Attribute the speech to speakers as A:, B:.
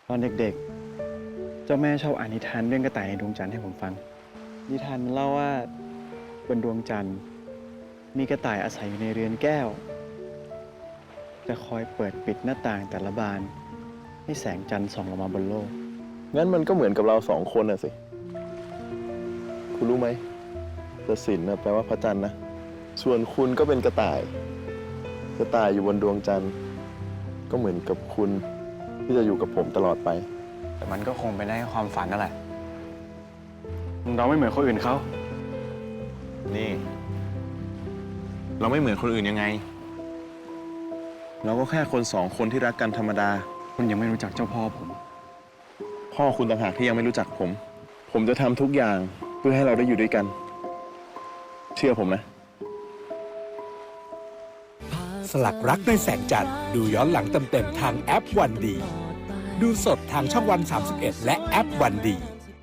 A: ตอนเด็กๆ เจ้าแม่ชอบอ่านนิทานเรื่องกระต่ายในดวงจันทร์ให้ผมฟัง นิทานมันเล่าว่าบนดวงจันทร์มีกระต่ายอาศัยอยู่ในเรือนแก้ว จะคอยเปิดปิดหน้าต่างแต่ละบานให้แสงจันทร์ส่องลงมาบนโลก
B: งั้นมันก็เหมือนกับเราสองคนน่ะสิ คุณรู้ไหมแต่ศิลป์แปลว่าพระจันทร์นะ ส่วนคุณก็เป็นกระต่าย กระต่ายอยู่บนดวงจันทร์ ก็เหมือนกับคุณที่จะอยู่กับผมตลอดไป
A: แต่มันก็คงเป็นได้แค่ความฝันนั่นแหละเราไม่เหมือนคนอื่นเขา
B: นี่ เราไม่เหมือนคนอื่นยังไง เราก็แค่คนสองคนที่รักกันธรรมดา
A: คุณยังไม่รู้จักเจ้าพ่อผม
B: พ่อคุณต่างหากที่ยังไม่รู้จักผม ผมจะทำทุกอย่างเพื่อให้เราได้อยู่ด้วยกัน เชื่อผมนะ
C: สลักรักในแสงจันทร์ดูย้อนหลังเต็มๆทางแอปวันดี ดูสดทางช่องวัน31และแอปวันดี